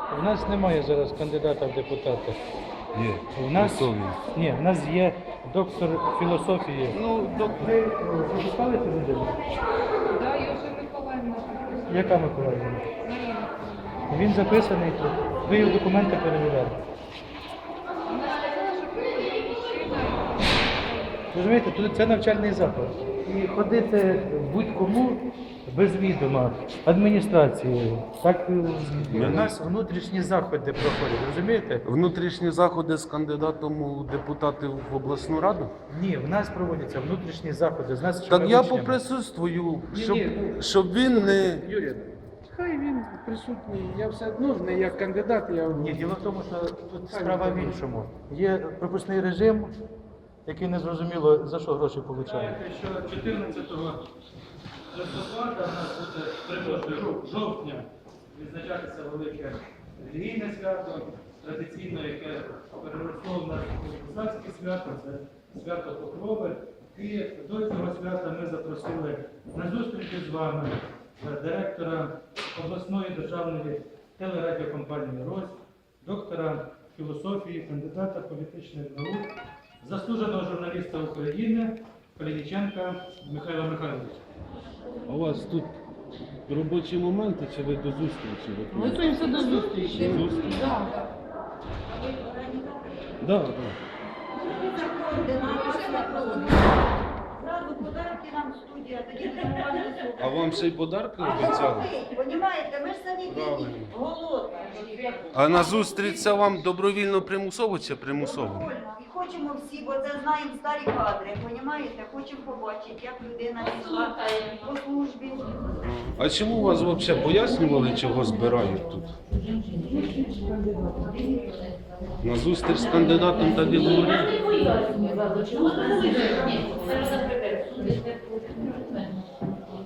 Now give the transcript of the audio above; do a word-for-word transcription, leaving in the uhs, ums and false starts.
У нас немає зараз кандидата в депутати. Є. У нас, Висові. ні, в нас є доктор філософії. Ну, доктор. Ви пропускали цю людину? Да, Южа Миколаївна. Яка Миколаївна? Марина. Він записаний тут. Ви його документи перевіряли. Вона сказала, що приходить мужчина. Розумієте, тут це навчальний заклад. І ходити будь-кому без відома адміністрації. Так е, у нас внутрішні заходи проходять, розумієте? Внутрішні заходи з кандидатом у депутати в обласну раду? Ні, в нас проводяться внутрішні заходи з нас. Так я поприсутствую, щоб, ні. щоб він не. Юрій, хай він присутній. Я все одно не як кандидат, я Ні, діло в тому, що тут справа в іншому. Є пропускний режим, який не зрозуміло за що гроші отримує. Знаєте, що чотирнадцятого листопада в нас буде, перепрошую, жовтня відзначатися велике релігійне свято, традиційно, яке переросло в нас у козацьке свято, це свято Покрови. І до цього свята ми запросили на зустрічі з вами е, директора обласної державної телерадіокомпанії «Рось», доктора філософії, кандидата політичних наук, заслуженого журналіста України Калініченка Михайла Михайловича. А у вас тут робочі моменти чи ви до зустрічі? Готуємося до зустрічі. Зустріч? Так. Да, да. Зразу подарки нам в студія, тоді будемо вам несу. А вам ще й подарки А обіцяли? ви, понімаєте, ми ж самі Правильно. бідні, голодні. А на зустріч це вам добровільно примусово чи примусово? Добровольно. І хочемо всі, бо це знаємо старі кадри, понімаєте? Хочемо побачити, як людина пішла по службі. А чому вас взагалі пояснювали, чого збирають тут? На зустріч з кандидатом так і говорили? Не пояснюю, чому сказали, ні.